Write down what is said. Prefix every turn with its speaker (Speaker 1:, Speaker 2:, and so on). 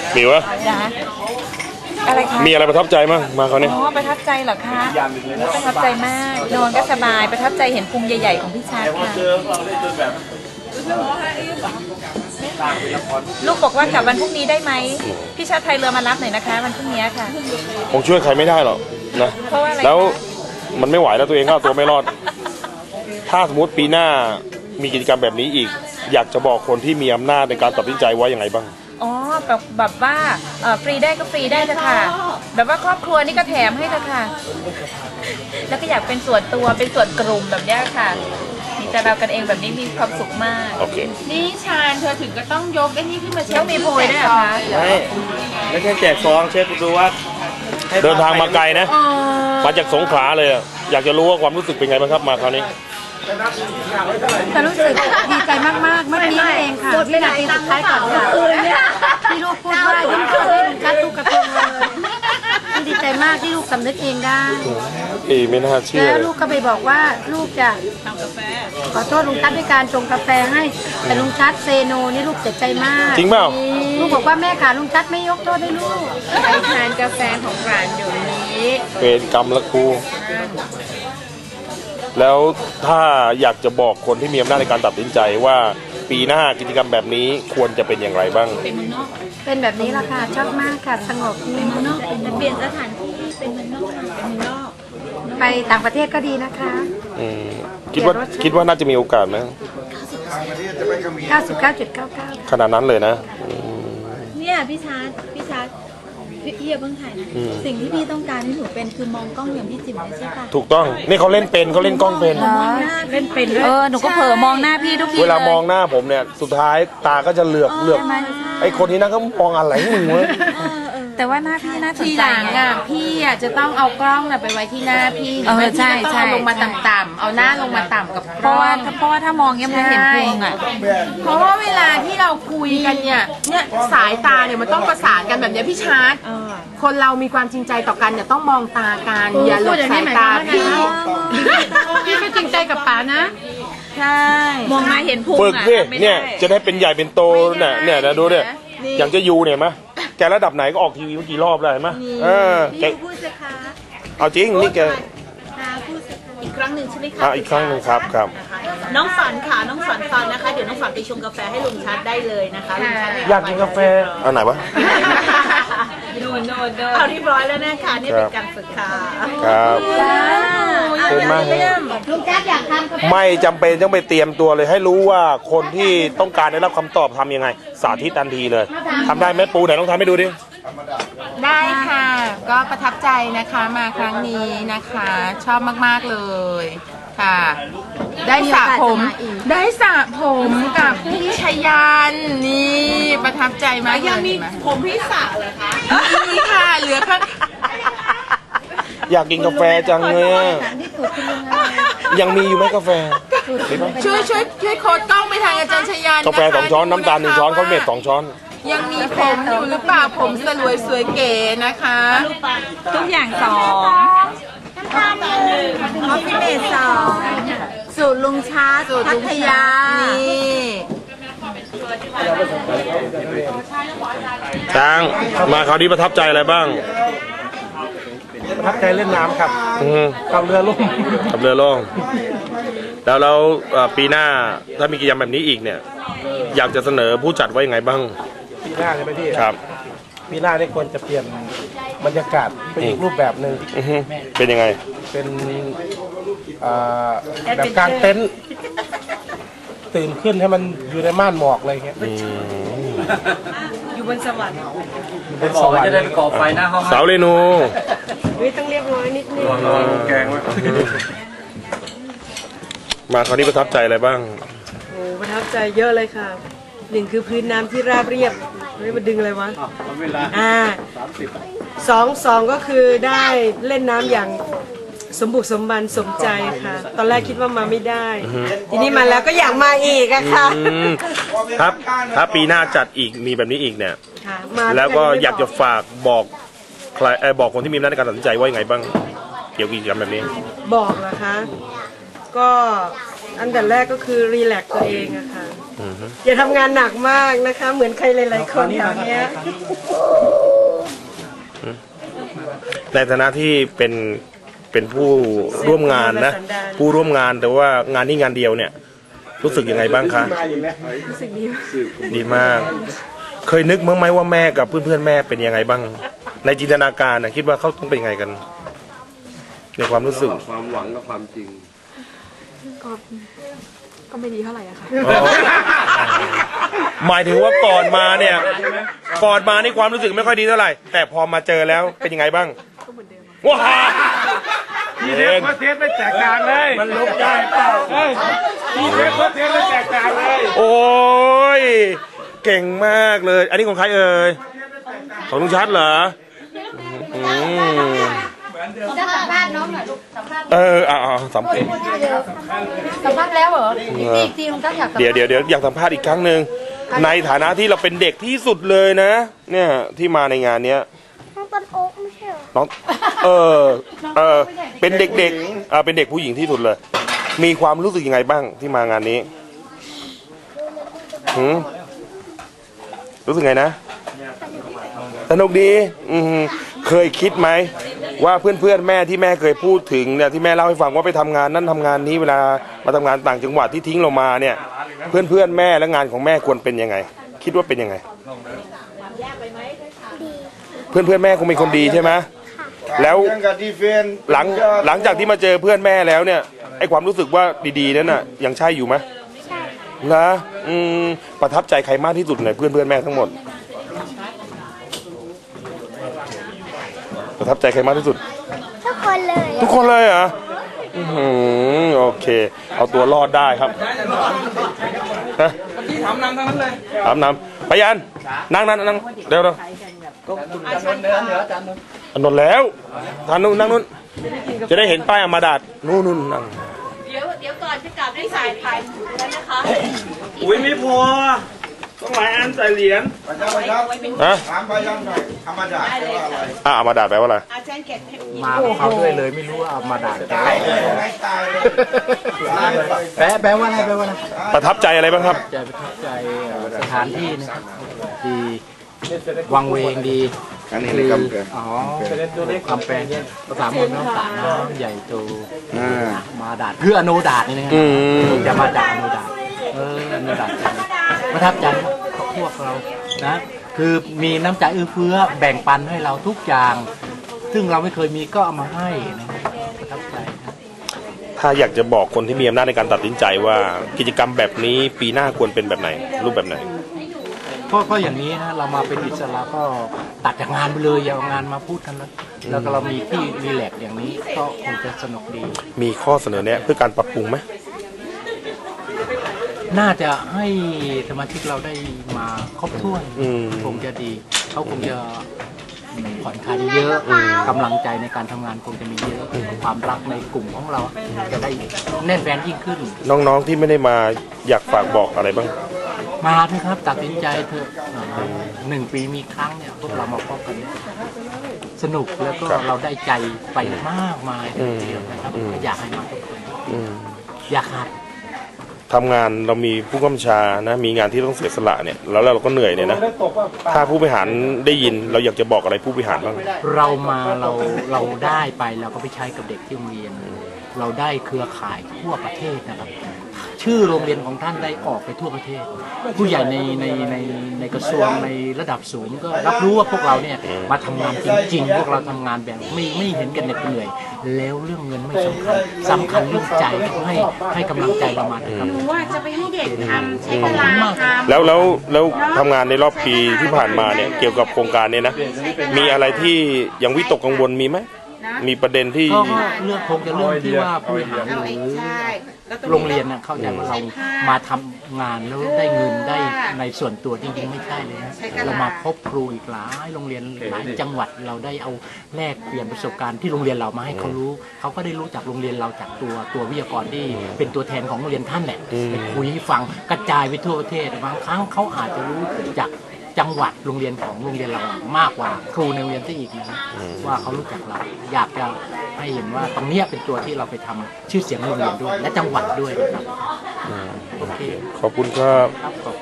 Speaker 1: มีวะ
Speaker 2: อะไรคะ
Speaker 1: มีอะไรประทับใจมั้งมาเขาเนี่ย
Speaker 2: อ๋อประทับใจเหรอคะประทับใจมากนอนก็สบายประทับใจเห็นพุงใหญ่ๆของพี่ชาติค่ะลูกบอกว่ากลับวันพรุ่งนี้ได้ไหมพี่ชาติไทยเรือมารับหน่อยนะคะวันพรุ่งนี้ค่ะ
Speaker 1: คงช่วยใครไม่ได้หรอกนะแล้วมันไม่ไหวแล้วตัวเองก็เอาตัวไม่รอดถ้าสมมติปีหน้ามีกิจกรรมแบบนี้อีกอยากจะบอกคนที่มีอำนาจในการตัดสินใจว่าอย่างไรบ้าง
Speaker 2: อ๋อแบบว่าฟรีได้ก็ฟรีได้เถอะค่ะแบบว่าครอบครัวนี่ก็แถมให้เถอะค่ะแล้วก็อยากเป็นส่วนตัวเป็นส่วนกลุ่มแบบนี้ค่ะมีแต่เรากันเองแบบนี้มีความสุขมาก
Speaker 1: โอเค
Speaker 3: นี่ชาญเธอถึงก็ต้องยกไอ้นี่ขึ้นมาเช็ค
Speaker 2: ต้องมีโพยด้วยเหรอคะ
Speaker 4: ไม่ใช่แจกซองเช็คดูว่า
Speaker 1: เดินทางมาไกลนะมาจากสงขลาเลยอยากจะรู้ว่าความรู้สึกเป็นไงบ้างครับมาคราวนี้
Speaker 5: แต่รู้สึกดีใจมากๆเมื่อกี้เองค่ะวินาทีสุดท้ายก่อนที่ลูกพูดว่ายิ้มเข้าให้ลุงชัดลูกกระทงเลยดีใจมากที่ลูกสำนึกเองได้
Speaker 1: ไม่น่าเชื่อ
Speaker 5: แล้วลูกก็ไปบอกว่าลูกจะทำกาแฟขอโทษลุงชัดด้วยการชงกาแฟให้แต่ลุงชัดเซโนนี่ลูกเสียใจมาก
Speaker 1: จริงเปล่า
Speaker 5: ลูกบอกว่าแม่ขาลุงชัดไม่ยกโทษให้ลูก
Speaker 3: ไปทานกาแฟของร้านอยู่นี้
Speaker 1: เป็นกรรมละครูแล้วถ้าอยากจะบอกคนที่มีอำนาจในการตัดสินใจว่าปีหน้ากิจกรรมแบบนี้ควรจะเป็นอย่างไรบ้าง
Speaker 5: เป็นแบบนี้ละค่ะชอบมากค่ะสงบเป็นเมืองนอกเป็นเปลี่ยนสถานที่เป็นเมืองนอกเป็นเมืองนอกไปต่างประเทศก็ดีนะคะ
Speaker 1: คิดว่าน่าจะมีโอกาสไหม
Speaker 5: 99.99
Speaker 1: ขนาดนั้นเลยนะ
Speaker 6: เนี่ยพี่ชาร์ตพี่อย่าเพิ่งถ่ายนะสิ่งที่พี่ต้องการให้หนูเป็นคือมองกล้องอย่างพี่จิ๋มใช่ปะ
Speaker 1: ถูกต้องนี่เขาเล่นเป็นเขาเล่นกล้องเป็น
Speaker 5: เล่นเป็นด้วย
Speaker 2: หนูก็เผลอมองหน้าพี่ทุกที
Speaker 1: เวลามองหน้าผมเนี่ยสุดท้ายตาก็จะเหลือกไอ้คนที่นั่นก็มองอะไรมึงวะ
Speaker 2: แต่ว่าหน้าพี่น่าสนใจ
Speaker 3: ทีหลังพี่จะต้องเอากล้องไปไว้ที่หน้าพี่
Speaker 2: ใช่
Speaker 3: ต้องเอาลงมาต่ำๆเอาหน้าลงมาต่ำกับ
Speaker 2: เพราะว่าถ้ามองเงี้ยมันเห็นพุง
Speaker 3: เพราะว่าเวลาที่เราคุยกันเนี่ยสายตาเนี่ยมันต้องประสานกันแบบนี้พี่ชาร์ตคนเรามีความจริงใจต่อกันเนี่ยต้องมองตากันอย่าหลบสายตาพี่ก็จริงใจกับป๋านะ
Speaker 2: ใช่มองมาเห็นพุง
Speaker 1: ฝึกดิเนี่ยจะได้เป็นใหญ่เป็นโตเนี่ยนะดูเนี่ยอย่างจะยูเนี่ยมั้ยแกระดับไหนก็ออกทีวีเมื่อกี่รอบเลยมั้ย
Speaker 6: แกพูดสิคะ
Speaker 1: เอาจริงนี่แก
Speaker 6: พูดอีกครั้งหนึ่งใช่ไหมคะ
Speaker 1: อีกครั้งหนึ่งครับ
Speaker 6: น้องฝันค่ะน้องฝันฟังนะคะเดี๋ยวน้องฝันไปชงกาแฟให้ลุงชัดได้เลยนะคะลุงชัด
Speaker 1: อยากกินกาแฟอันไหนวะ
Speaker 6: เอาเรียบร้อยแล้วนะคะนี่เป็นการฝึกค่ะ
Speaker 1: ครับเห็นไหม
Speaker 6: ลุงชัดอยากทำ
Speaker 1: ไม่จำเป็นต้องไปเตรียมตัวเลยให้รู้ว่าคนที่ต้องการได้รับคำตอบทำยังไงสาธิตทันทีเลยทำได้ไหมปูไหนต้องทำให้ดูดิ
Speaker 3: ได้ค่ะก็ประทับใจนะคะมาครั้งนี้นะคะชอบมากๆเลยค่ะได้สระผมกับพี่ชยันนี่ประทับใจมาก
Speaker 6: ยังมีผมพี่สระเหรอคะ
Speaker 3: นี่ค่ะเหลือค่ะ
Speaker 1: อยากกินกาแฟจังเลยยังมีอยู่ไหมกาแฟ
Speaker 3: ช่วยโค้ดกล้องไปทางอาจารย์ชยัน
Speaker 1: กาแฟ2 ช้อนน้ำตาล1 ช้อนข้าวเม็ด2 ช้อน
Speaker 3: ยังมีผมอยู่หรือเปล่าผมสลวยสวยเก๋นะคะ
Speaker 2: ทุกอย่าง2
Speaker 6: คอฟฟี่เมด2สูตรลุงชาสูตรพัทยา
Speaker 1: ช้างมาคราวนี้ประทับใจอะไรบ้าง
Speaker 4: ประทับใจเล่นน้ำครับกับเรือล่
Speaker 1: มแล้วปีหน้าถ้ามีกิจกรรมแบบนี้อีกเนี่ยอยากจะเสนอผู้จัดไว้ยังไงบ้าง
Speaker 4: ปีหน้าใช่ไหมพี่
Speaker 1: ครับ
Speaker 4: ปีหน้าได้ควรจะเปลี่ยนบรรยากาศเป็นอีกรูปแบบหนึ่ง
Speaker 1: เป็นยังไง
Speaker 4: เป็นแบบกลางเต็นท์ตื่นขึ้นให้มันอยู่ในม่านหมอกอะไรเงี้ย
Speaker 6: อยู่บนสวรรค์
Speaker 4: เป็นสวรรค์จะได้ก่อไฟหน้าห้อง
Speaker 1: สาวเรนู
Speaker 6: ต้องเรียบร้อยนิดนึง
Speaker 4: แกงไว้
Speaker 1: มาคราวนี้ประทับใจอะไรบ้าง
Speaker 6: โอ้ประทับใจเยอะเลยค่ะ1คือพื้นน้ำที่ราบเรียบไม่มาดึงอะไรวะ2ก็คือได้เล่นน้ำอย่างสมบุกสมบันสมใจค่ะตอนแรกคิดว่ามาไม่ได้ทีนี้มาแล้วก็อยากมาอีกอะค่ะ
Speaker 1: ครับถ้าปีหน้าจัดอีกมีแบบนี้อีกเนี่ยแล้วก็อยากจะฝากบอกใครบอกคนที่มีอำนาจในการตัดสินใจว่ายังไงบ้างเกี่ยวกับกิจกรรมแบบนี้
Speaker 6: บอกนะคะก็อันดับแรกก็คือรีแลกซ์ตัวเองอะค่ะอย่าทำงานหนักมากนะคะ เหมือนใครหลายๆคนแถวเนี้ย
Speaker 1: ในฐานะที่เป็นผู้ร่วมงานนะ ผู้ร่วมงานแต่ว่างานนี้งานเดียวเนี่ย รู้สึกยังไงบ้างคะรู้สึกดีมาก เคยนึกมั้งไหมว่าแม่กับเพื่อนๆแม่เป็นยังไงบ้าง ในจินตนาการนะคิดว่าเขาต้องเป็นยังไงกัน ในความรู้สึก
Speaker 7: ความหวังกับความจริง
Speaker 5: ก็ไม่ดีเท่าไหร่อะค่ะ
Speaker 1: หมายถึงว่าก่อนมาเนี่ยก่อนมานี่ความรู้สึกไม่ค่อยดีเท่าไหร่ แต่พอมาเจอแล้วเป็นยังไงบ้างว้า
Speaker 4: ทีเด็กเทสไม่แตกต่างเลยมันลบได้เปล่าทีเด็กเทสไม่แตกต่างเลย
Speaker 1: โอ้ยเก่งมากเลย อันนี้ของใครเอ่ยของลุงชัดเหรออืม
Speaker 5: จะสัมภาษณ์น้องหน่อยลูกสัมภาษณ์
Speaker 1: สัมภาษณ์
Speaker 5: สัมภาษณ์แล้วเหรออีกทีลุงตั้งอยากสัมภาษณ์
Speaker 1: เดี๋ยวอยากสัมภาษณ์อีกครั้งหนึ่งในฐานะที่เราเป็นเด็กที่สุดเลยนะ เนี่ยที่มาในงานเนี้ย
Speaker 8: น้องต้นโอ๊กไม่ใช่เหรอ
Speaker 1: น้องเป็นเด็กๆเป็นเด็กผู้หญิงที่สุดเลย มีความรู้สึกยังไงบ้างที่มางานนี้รู้สึกไงนะสนุกดีเคยคิดไหมว่าเพื่อนๆแม่ที่แม่เคยพูดถึงเนี่ยที่แม่เล่าให้ฟังว่าไปทำงานนั่นทำงานนี้เวลามาทำงานต่างจังหวัดที่ทิ้งเรามาเนี่ย เพื่อนๆแม่และงานของแม่ควรเป็นยังไง คิดว่าเป็นยังไงเพื่อนๆแม่คงเป็นคนดีใช่ไหมแล้วหลังจากที่มาเจอเพื่อนแม่แล้วเนี่ยไอความรู้สึกว่าดีๆนั้นน่ะยังใช่อยู่ไหมนะประทับใจใครมากที่สุดในเพื่อนๆแม่ทั้งหมดประทับใจใครมากที่สุด
Speaker 8: ทุกคนเลย
Speaker 1: ทุกคนเลยเหรอโอเค เอาตัวรอดได้ครับถามนำไปยันนั่งเร็วอันนนแล้วทานนู่นนั่งนู่นจะได้เห็นป้ายอมาดาดนู่นนั่ง
Speaker 2: เดี๋ยวก่อนจะกลับได้สายถ่ายแล้วนะคะ
Speaker 4: อุ้ยไม่พอต้องหลายอันใส่เหรียญ
Speaker 1: ฮะ
Speaker 7: ถามไปยังหน่อยธรรมดาแปลว่าอะไร
Speaker 1: อมาดาดแปลว่าอะไร
Speaker 9: มาเขาด้วยเลยไม่รู้ว่าเอามาด่า
Speaker 7: ตายเลยไม่ตายเลย
Speaker 9: แปลว่าอะไรแปลว่าอะไร
Speaker 1: ประทับใจอะไรบ้างครับ
Speaker 9: ใจประทับใจสถานที่นะครับดีวังเวงดี
Speaker 7: อันนี้เลยครับ
Speaker 9: อ๋อคำแปลภาษามนต์น้ำสระน้ำใหญ่โตมาด่าเพื่ออโนดาดนี่นะครับจะมาด่าอโนดาดอโนดาดประทับใจครับพวกเรานะคือมีน้ำใจเอื้อเฟื้อแบ่งปันให้เราทุกอย่าง ซึ่งเราไม่เคยมีก็เอามาให้นะครับประทับใจครับ
Speaker 1: ถ้าอยากจะบอกคนที่มีอำนาจในการตัดสินใจว่ากิจกรรมแบบนี้ปีหน้าควรเป็นแบบไหนรูปแบบไหน
Speaker 9: ก็อย่างนี้นะเรามาเป็นอิสระก็ตัดจากงานไปเลยอย่าเอางานมาพูดกันนะแล้วก็เรามีที่รีแลกซ์อย่างนี้ก็คงจะสนุกดี
Speaker 1: มีข้อเสนอแนะเพื่อการปรับปรุงไหม
Speaker 9: น่าจะให้สมาชิกเราได้มาครบถ้วน คงจะดีเขาคงจะผ่อนคลายเยอะกำลังใจในการทำงานคงจะมีเยอะความรักในกลุ่มของเราจะได้แน่นแฟนยิ่งขึ้น
Speaker 1: น้องๆที่ไม่ได้มาอยากฝากบอกอะไรบ้าง
Speaker 9: มาเถอะครับตัดสินใจเถอะ1 ปีมีครั้งเนี่ยพวกเรามาพบกันสนุกแล้วก็เราได้ใจไปมากมายทีเดียวนะครับอยากให้มาทุกคนอยากครับ
Speaker 1: ทำงานเรามีผู้กำกับชานะมีงานที่ต้องเสียสละเนี่ยแล้วเราก็เหนื่อยเนี่ยนะถ้าผู้บริหารได้ยินเราอยากจะบอกอะไรผู้บริหารบ้าง
Speaker 9: เรามาเราได้ไปเราก็ไปใช้กับเด็กที่โรงเรียนเราได้เครือข่ายทั่วประเทศนะครับชื่อโรงเรียนของท่านได้ออกไปทั่วประเทศ ผู้ใหญ่ในกระทรวงในระดับสูงก็รับรู้ว่าพวกเราเนี่ยมาทำงานจริงๆพวกเราทำงานแบบไม่เห็นกันเหน็ดเหนื่อยแล้วเรื่องเงินไม่สำคัญเรื่องใจให้กำลังใจเรามานะครับ
Speaker 5: ว่าจะไปให้เด็กทำใช้เวลาทำ
Speaker 1: แล้วทำงานในรอบปีที่ผ่านมาเนี่ยเกี่ยวกับโครงการเนี่ยนะมีอะไรที่ยังวิตกกังวลมีไหมมีประเด็นที่
Speaker 9: ก็เรื่องคงจะเรื่องที่ว่าผู้บริหารหรือโรงเรียนเข้าใจว่าเรามาทำงานแล้วได้เงินได้ในส่วนตัวจริงๆไม่ใช่เลยนะเรามาพบครูอีกหลายโรงเรียนหลายจังหวัดเราได้เอาแลกเปลี่ยนประสบการณ์ที่โรงเรียนเรามาให้เขารู้เขาก็ได้รู้จากโรงเรียนเราจากตัววิทยากรที่เป็นตัวแทนของโรงเรียนท่านแหละไปคุยให้ฟังกระจายไปทั่วประเทศบางครั้งเขาอาจจะรู้จากจังหวัดโรงเรียนของโรงเรียนเรามากกว่าครูในโรงเรียนซะอีกนะว่าเขารู้จักเราอยากจะให้เห็นว่าตรงเนี้ยเป็นตัวที่เราไปทำชื่อเสียงโรงเรียนด้วยและจังหวัดด้วยนะครับโอเค
Speaker 1: ขอบคุณครับ
Speaker 9: ครับขอบ